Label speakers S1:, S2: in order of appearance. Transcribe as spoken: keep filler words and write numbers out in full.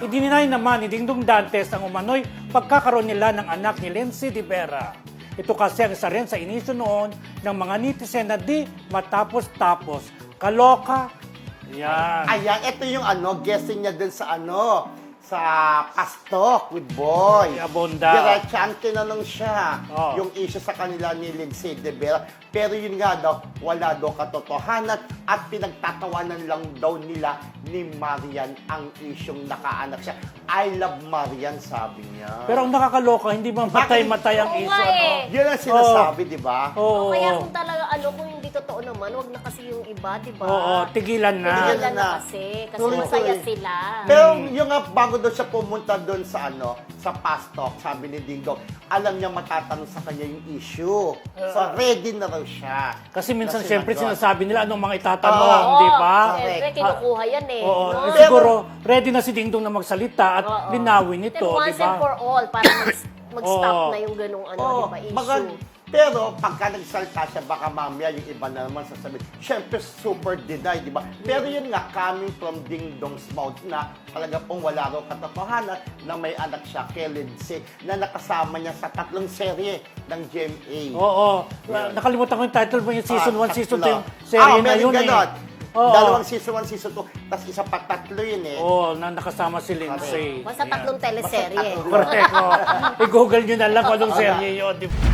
S1: Idininay naman ni Dingdong Dantes ang umano'y pagkakaroon nila ng anak ni Lindsay de Vera. Ito kasi ang isa rin sa inisyo noon ng mga netizen na di matapos-tapos. Kaloka. Yan.
S2: Ayan, ito yung ano, guessing niya dun sa ano, sa Pastok with Boy.
S1: Abonda.
S2: Diretso ang tinanong siya
S1: Oh.
S2: yung issue sa kanila ni Lindsay de Vera. Pero yun nga daw, wala daw katotohanan at pinagtatawanan lang daw nila ni Marian ang isyong nakaanak siya. I love Marian, sabi niya.
S1: Pero ang nakakaloka, hindi mamatay-matay ang
S3: Oo
S1: issue.
S3: nga
S1: Ano?
S3: eh.
S2: Yun ang sinasabi, di ba?
S1: Oo.
S3: O kaya kung talaga ano, kung hindi totoo naman, wag na kasi yung iba, di ba?
S1: Oo, tigilan na.
S3: Tigilan
S2: Tigilan
S3: na
S2: na.
S3: kasi. Kasi
S2: Tuloy-tuloy.
S3: masaya sila.
S2: Pero yung nga, bago daw siya pumunta doon sa ano, sa Pastok, sabi ni Dingdong, alam niya matatanong sa kanya yung issue. So, ready na raw siya.
S1: Kasi minsan,
S2: Na
S1: siyempre,
S2: sinagot.
S1: sinasabi nila anong mga itatanong,
S2: Oo.
S1: di ba?
S3: Siyempre, kinukuha yan eh.
S1: Oo,
S3: no?
S1: eh, siguro, ready na si Dingdong na magsalita at
S3: Oo.
S1: linawin ito,
S3: Then
S1: di
S3: once and
S1: ba?
S3: for all, para mag- mag-stop
S1: Oo.
S3: na yung ganung ano,
S2: Oo,
S3: di ba, issue.
S2: magan- pero pagka nagsalita siya, baka mamaya yung iba na naman sasabihin, syempre super deny, di ba? Pero yun nga, coming from Ding Dong's mouth na talaga pong wala raw katotohanan na may anak siya kay Lindsay na nakasama niya sa tatlong serye ng G M A.
S1: Oo.
S2: Yun.
S1: Nakalimutan ko yung title mo yung season
S2: Ah,
S1: one, season two,
S2: tatlo.
S1: yung serye
S2: Ah,
S1: na
S2: meron
S1: yun
S2: ganon.
S1: eh. Oo.
S2: Dalawang season one, season two, tapos isa pa tatlo yun eh.
S1: Oo, na nakasama si Lindsay.
S3: Basta
S1: Yan.
S3: tatlong teleserye.
S2: Basta tatlo.
S1: Correct. Oh. I-google nyo na lang kung anong serye yun. di ba?